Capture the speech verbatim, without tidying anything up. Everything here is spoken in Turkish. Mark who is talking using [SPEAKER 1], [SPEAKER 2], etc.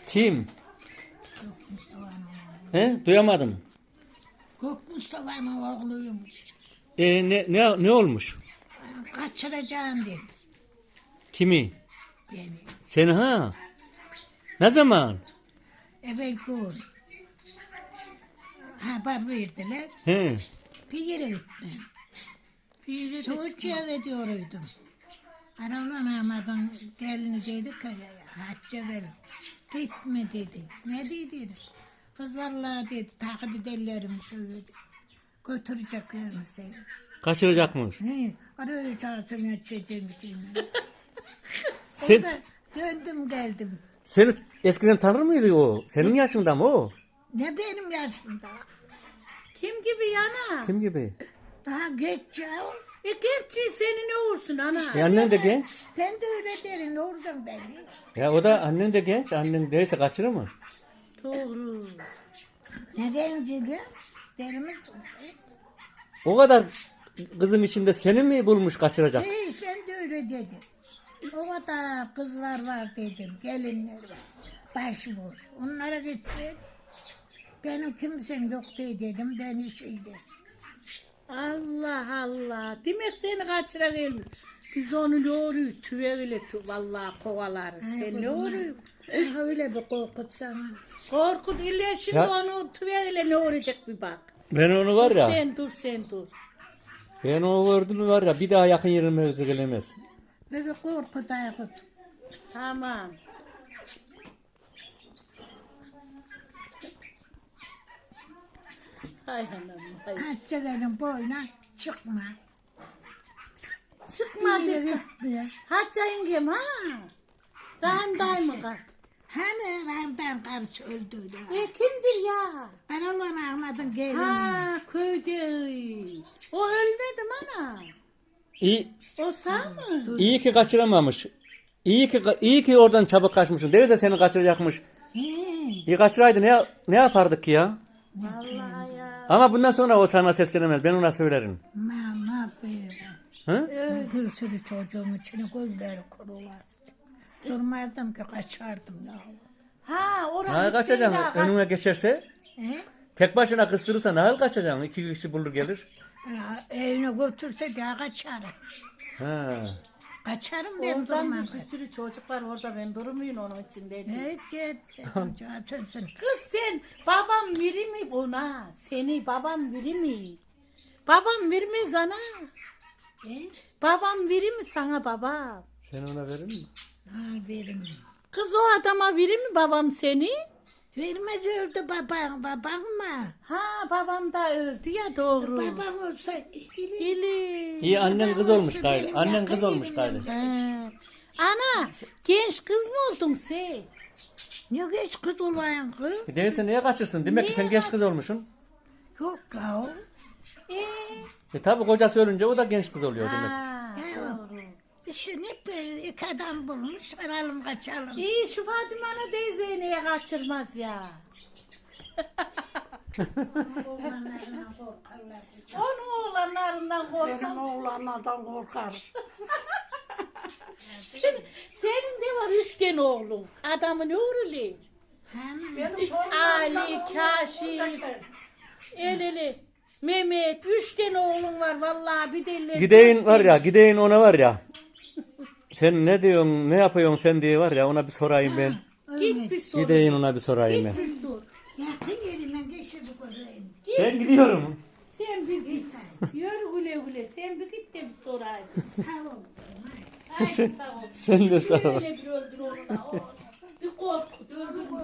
[SPEAKER 1] Kim?
[SPEAKER 2] Gök Mustafa'nın oğlu.
[SPEAKER 1] He? Duyamadım.
[SPEAKER 2] Gök Mustafa'nın oğluymuş.
[SPEAKER 1] E, ne, ne, ne olmuş?
[SPEAKER 2] Kaçıracağım dedi.
[SPEAKER 1] Kimi?
[SPEAKER 2] Yani
[SPEAKER 1] Seni ha? Ne zaman?
[SPEAKER 2] evvel gün haber verdiler.
[SPEAKER 1] He.
[SPEAKER 2] Bir yere gitmem. Soğukçuya gidiyorduydum. Aralan Ahmet'in gelini dedik ki hacca gelin. Gitme dedi. Ne dedi? Kız vallahi dedi takip ederlerim şöyle dedi. Götüreceklerim seni.
[SPEAKER 1] Kaçıracakmış.
[SPEAKER 2] He, araya çağırsın açacağım.
[SPEAKER 1] Sen,
[SPEAKER 2] Orada döndüm geldim.
[SPEAKER 1] seni eskiden tanır mıydı o? Senin yaşında mı o?
[SPEAKER 2] Ne benim yaşımda?
[SPEAKER 3] Kim gibi yana?
[SPEAKER 1] Kim gibi?
[SPEAKER 2] Daha geç ya.
[SPEAKER 3] E genç seni ne olursun ana?
[SPEAKER 1] E annen de genç.
[SPEAKER 2] Ben de öyle derim oradan beni.
[SPEAKER 1] Ya o da annen de genç. Annen değilse kaçırır mı?
[SPEAKER 3] Doğru.
[SPEAKER 2] Ne genciydi? Derimiz
[SPEAKER 1] O kadar kızın içinde seni mi bulmuş kaçıracak?
[SPEAKER 2] Hey, ben de öyle dedim. O kadar kızlar var dedim, gelinler var. Başvur. Onlara gitsin. Benim kimsem yok diye dedim, ben işiydim.
[SPEAKER 3] Allah Allah. Demek seni kaçıra gelmiş. Biz onu ne oluyoruz? Tüveyle tu vallahi kovalarız. Sen ne oluyorsun?
[SPEAKER 2] Öyle bir korkutsana.
[SPEAKER 3] Korkut illa şimdi
[SPEAKER 1] Ya-
[SPEAKER 3] onu tüveyle ne olacak bir bak.
[SPEAKER 1] Ben onu var ya.
[SPEAKER 3] Sen dur sen dur.
[SPEAKER 1] Ben onu gördüm mü var ya bir daha yakın yerime özü gelemez.
[SPEAKER 2] Böyle korku daykut.
[SPEAKER 3] Tamam. Hay anam hay.
[SPEAKER 2] Hacca gelin boyuna çıkma.
[SPEAKER 3] Çıkma
[SPEAKER 2] Bir yere
[SPEAKER 3] desin.
[SPEAKER 2] gitme.
[SPEAKER 3] Hacca yengem ha. Rahim daima kal.
[SPEAKER 2] Hani ben, ben karısı öldü ya.
[SPEAKER 3] E kimdir ya?
[SPEAKER 2] Ben olan Ahmet'in gelini.
[SPEAKER 3] Ha köyde. O ölmedim ana.
[SPEAKER 1] İyi,
[SPEAKER 3] O sağ mı?
[SPEAKER 1] iyi ki kaçıramamış. İyi ki iyi ki oradan çabuk kaçmışsın. Değilse seni kaçıracakmış.
[SPEAKER 2] He.
[SPEAKER 1] İyi kaçıraydı ne ne yapardık ki ya?
[SPEAKER 3] Vallahi ya.
[SPEAKER 1] Ama bundan sonra o sana seslenemez. Ben ona söylerim.
[SPEAKER 2] Ma, ne yapayım?
[SPEAKER 1] Hı?
[SPEAKER 2] Bir sürü çocuğun içine gözleri kurular. Durmazdım ki kaçardım ya.
[SPEAKER 3] Ha orası
[SPEAKER 1] Nasıl kaçacaksın? Önüne geçerse
[SPEAKER 2] He?
[SPEAKER 1] tek başına kıstırırsa nasıl kaçacaksın? İki kişi bulur gelir.
[SPEAKER 2] Ya, evine götürse de kaçarım.
[SPEAKER 1] Ha.
[SPEAKER 2] Kaçarım ben
[SPEAKER 3] Oradan
[SPEAKER 2] durmam.
[SPEAKER 3] bir sürü çocuk var orada ben durmuyorum onun için dedi.
[SPEAKER 2] Evet, evet. Çocuğa sözsün.
[SPEAKER 3] Kız sen babam biri mi buna? Seni babam biri mi? Babam vermez ana.
[SPEAKER 2] He?
[SPEAKER 3] Babam biri mi sana baba?
[SPEAKER 1] Sen ona verir mi?
[SPEAKER 2] Ha, verim.
[SPEAKER 3] Kız o adama biri mi babam seni?
[SPEAKER 2] Vermez öldü babam, babam mı?
[SPEAKER 3] Ha babam da öldü ya doğru.
[SPEAKER 2] Babam olsa iyilik.
[SPEAKER 3] Bili.
[SPEAKER 1] İyi annen kız olmuş gayrı.
[SPEAKER 2] Benim
[SPEAKER 1] Annen
[SPEAKER 2] yakın
[SPEAKER 1] kız olmuş
[SPEAKER 2] yerimden.
[SPEAKER 1] gayrı.
[SPEAKER 3] He. Ana genç kız mı oldun sen?
[SPEAKER 2] Ne geç kız olayım kız?
[SPEAKER 1] Değilse niye kaçırsın? Demek ki sen genç kız olmuşsun.
[SPEAKER 2] Yok ya.
[SPEAKER 3] Ee,
[SPEAKER 1] E tabi kocası ölünce o da genç kız oluyor demek.
[SPEAKER 3] ha,
[SPEAKER 2] Ya.
[SPEAKER 3] doğru.
[SPEAKER 2] Şimdi böyle iki adam bulmuş, varalım kaçalım.
[SPEAKER 3] İyi şu Fatime Ana teyzeyi niye kaçırmaz ya?
[SPEAKER 2] Oğlanlarına korkarlar.
[SPEAKER 3] Onun oğlanlarından korkan.
[SPEAKER 2] Benim oğlanlardan korkar.
[SPEAKER 3] Senin, senin de var üç tane oğlun. Adamın oğlu.
[SPEAKER 2] Hani?
[SPEAKER 3] Ali, Kaşif, Eleli, Mehmet. Üç tane oğlun var vallahi bir deli.
[SPEAKER 1] Gideyin var ya gideyin ona var ya. Sen ne diyorsun ne yapıyorsun sen diye var ya ona bir sorayım ben.
[SPEAKER 3] Git bir sor.
[SPEAKER 1] Gideyin ona bir sorayım ben.
[SPEAKER 3] Bir sor.
[SPEAKER 2] Yakın yerime geçirdik orayı.
[SPEAKER 1] Ben gidiyorum.
[SPEAKER 3] Sen bir git. Yürü güle güle. Sen bir git de bir sorayım.
[SPEAKER 2] Sağ ol.
[SPEAKER 3] Haydi sağ ol.
[SPEAKER 1] Sen de sağ ol.
[SPEAKER 3] Öyle bir öldür onu da. Oh.